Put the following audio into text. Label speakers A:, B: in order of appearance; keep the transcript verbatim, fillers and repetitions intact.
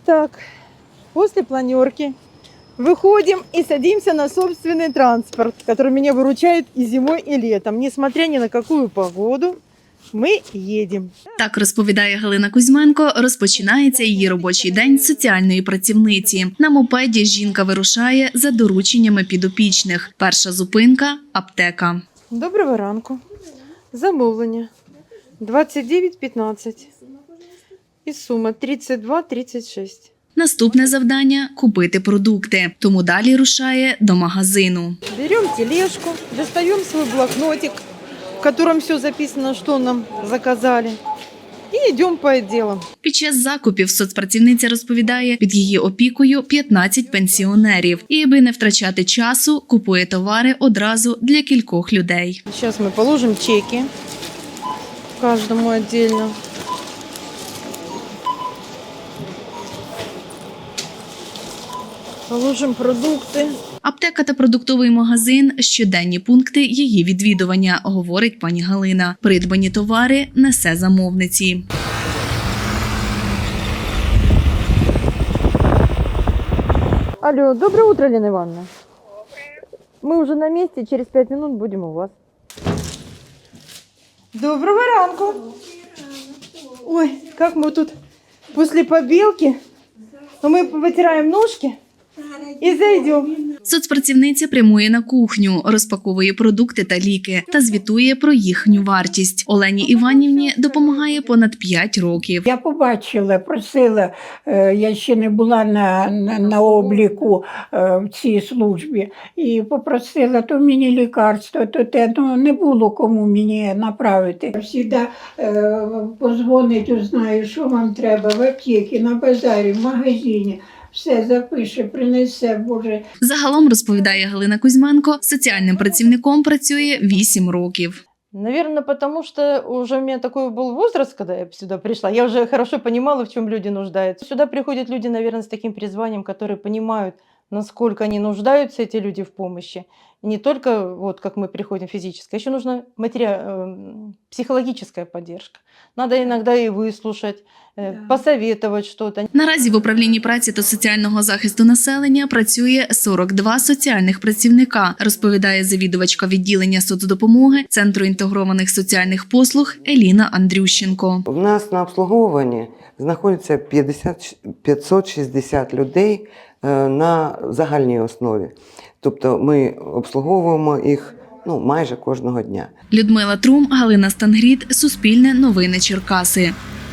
A: Итак, после планерки выходим и садимся на собственный транспорт, который меня выручает и зимой, и летом. Несмотря ни на какую погоду, ми їдемо.
B: Так розповідає Галина Кузьменко, розпочинається її робочий день соціальної працівниці. На мопеді жінка вирушає за дорученнями підопічних. Перша зупинка – аптека.
A: Доброго ранку. Замовлення двадцять дев'ять п'ятнадцять і сума тридцять два тридцять шість.
B: Наступне завдання – купити продукти, тому далі рушає до магазину.
A: Берем тележку, достаем свой блокнотик, в котором все записано, что нам заказали, и идем по отделам.
B: Під час закупів соцпрацівниця розповідає, під її опікою п'ятнадцять пенсіонерів. І аби не втрачати часу, купує товари одразу для кількох людей.
A: Сейчас мы положим чеки каждому отдельно. Положим продукти.
B: Аптека та продуктовий магазин – щоденні пункти її відвідування, говорить пані Галина. Придбані товари несе замовниці.
A: Алло, доброе утро, Лена Ивановна. Мы уже на месте, через пять минут будем у вас. Доброго ранку. Ой, как мы тут после побелки, мы вытираем ножки и зайдем.
B: Соцпрацівниця прямує на кухню, розпаковує продукти та ліки та звітує про їхню вартість. Олені Іванівні допомагає понад п'ять років.
C: Я побачила, просила, е, я ще не була на, на, на обліку е, в цій службі, і попросила, то мені лікарство, то те, ну не було кому мені направити. Завжди е, позвонить, узнаю, що вам треба в аптеці, на базарі, в магазині. Все запише, принесе, Боже.
B: Загалом, розповідає Галина Кузьменко, соціальним працівником працює вісім років.
A: Наверное, потому что уже у меня такой был возраст, когда я сюда пришла. Я уже хорошо понимала, в чем люди нуждаются. Сюда приходят люди, наверное, с таким призванием, которые понимают, насколько они нуждаются, эти люди, в помощи. И не только, вот как мы приходим, физическая, еще нужна матери... психологическая поддержка. Надо иногда и выслушать, посоветовать что-то.
B: Наразі в управлінні праці та соціального захисту населення працює сорок два соціальних працівника, розповідає завідувачка відділення соцдопомоги Центру інтегрованих соціальних послуг Еліна Андрющенко.
D: У нас на обслуговуванні знаходиться п'ятсот шістдесят людей на загальній основі. Тобто ми обслуговуємо їх ну, майже кожного дня.
B: Людмила Трум, Галина Стангріт, Суспільне новини Черкаси.